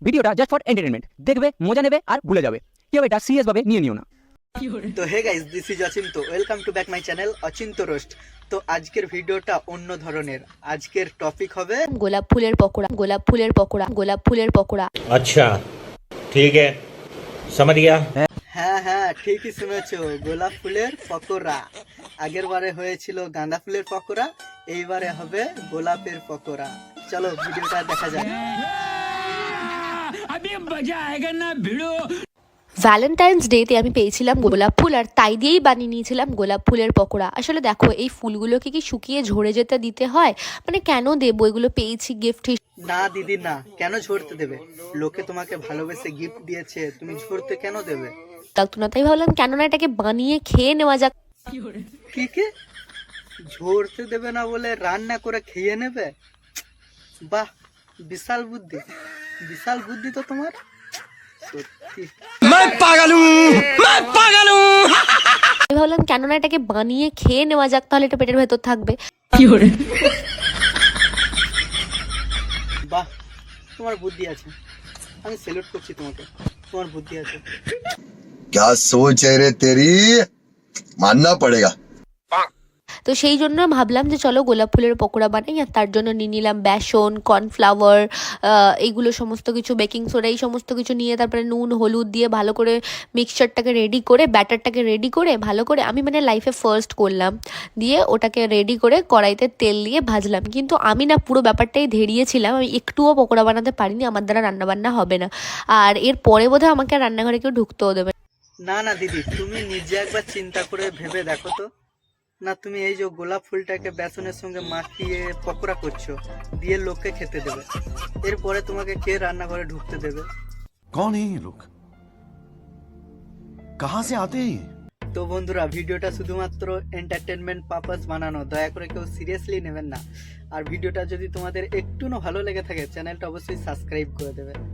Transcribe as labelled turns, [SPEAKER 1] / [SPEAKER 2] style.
[SPEAKER 1] ভিডিওটা just for entertainment, দেখবে মজা নেবে আর ভুলে যাবে, কেউ এটা সিরিয়াস ভাবে নিয়ে নিও না।
[SPEAKER 2] তো hey guys, this is Achinta. Welcome to back my channel Achinta roast. তো আজকের ভিডিওটা অন্য ধরনের। আজকের টপিক হবে
[SPEAKER 3] গোলাপ ফুলের পকোড়া, গোলাপ ফুলের পকোড়া, গোলাপ ফুলের পকোড়া।
[SPEAKER 4] अच्छा ठीक है समझ गया।
[SPEAKER 2] হ্যাঁ হ্যাঁ, ঠিকই শুনেছো, গোলাপ ফুলের পকোড়া। আগের বারে হয়েছিল গাঁদা ফুলের পকোড়া, এইবারে হবে গোলাপের পকোড়া। চলো ভিডিওটা দেখা যাক।
[SPEAKER 3] ভ্যালেন্টাইন্স ডেতে আমি পেয়েছিলাম গোলাপ ফুল, আর তাই দিয়েই বানিয়ে নিয়েছিলাম গোলাপ ফুলের পকোড়া। আসলে দেখো, এই ফুলগুলোকে কি শুকিয়ে ঝরে যেতে দিতে হয়? মানে কেন দেবো, এগুলো পেয়েছি গিফট।
[SPEAKER 2] না দিদি না, কেন ঝরতে দেবে? লোকে তোমাকে ভালোবেসে গিফট দিয়েছে, তুমি ঝরতে কেন দেবে?
[SPEAKER 3] লাগতো না, তাই ভাবলাম কেন না এটাকে বানিয়ে খেয়ে নেওয়া যাক।
[SPEAKER 2] কি কি ঝরতে দেবে না বলে রান্না করে খেয়ে নেবে? বাহ, বিশাল বুদ্ধি, বিশাল বুদ্ধি তো তোমার, সত্যি।
[SPEAKER 3] আমি ভাবলাম কেন না এটাকে বানিয়ে খেয়ে নেওয়া যাক, তাহলে এটা পেটের ভেতর থাকবে।
[SPEAKER 2] বাহ, তোমার বুদ্ধি আছে, আমি স্যালুট করছি তোমাকে, তোমার বুদ্ধি আছে।
[SPEAKER 5] क्या सोच है रे तेरी, मानना पड़ेगा।
[SPEAKER 3] তো সেই জন্য ভাবলাম যে চলো গোলাপ ফুলের পকোড়া বানাই। আর তার জন্য নিয়ে নিলাম বেসন, কর্নফ্লাওয়ার, এইগুলো সমস্ত কিছু, বেকিং সোডা, এই সমস্ত কিছু নিয়ে তারপরে নুন হলুদ দিয়ে ভালো করে মিক্সচারটাকে রেডি করে, ব্যাটারটাকে রেডি করে ভালো করে, আমি মানে লাইফে ফার্স্ট করলাম, দিয়ে ওটাকে রেডি করে কড়াইতে তেল দিয়ে ভাজলাম। কিন্তু আমি না পুরো ব্যাপারটাই ধেরিয়েছিলাম, আমি একটুও পকোড়া বানাতে পারিনি, আমার দ্বারা রান্নাবান্না হবে না। আর এর পরে বোধহয় আমাকে রান্নাঘরে কেউ ঢুকতেও দেবে
[SPEAKER 2] না না দিদি, তুমি নিজে একবার চিন্তা করে ভেবে দেখো তো। না, তুমি এই যে গোলাপ ফুলটাকে বেসনের সঙ্গে মাখিয়ে পকোড়া করছো, দিয়ে লোককে খেতে দেবে, এরপরে তোমাকে কে রান্নাঘরে ঢুকতে দেবে?
[SPEAKER 6] कौन है ये लोग, कहां से आते हैं ये?
[SPEAKER 2] তো বন্ধুরা, ভিডিওটা শুধুমাত্র এন্টারটেনমেন্ট পারপাস বানানো, দয়া করে কেউ সিরিয়াসলি নেবেন না। আর ভিডিওটা যদি তোমাদের একটুও ভালো লেগে থাকে, চ্যানেলটা অবশ্যই সাবস্ক্রাইব করে দেবে।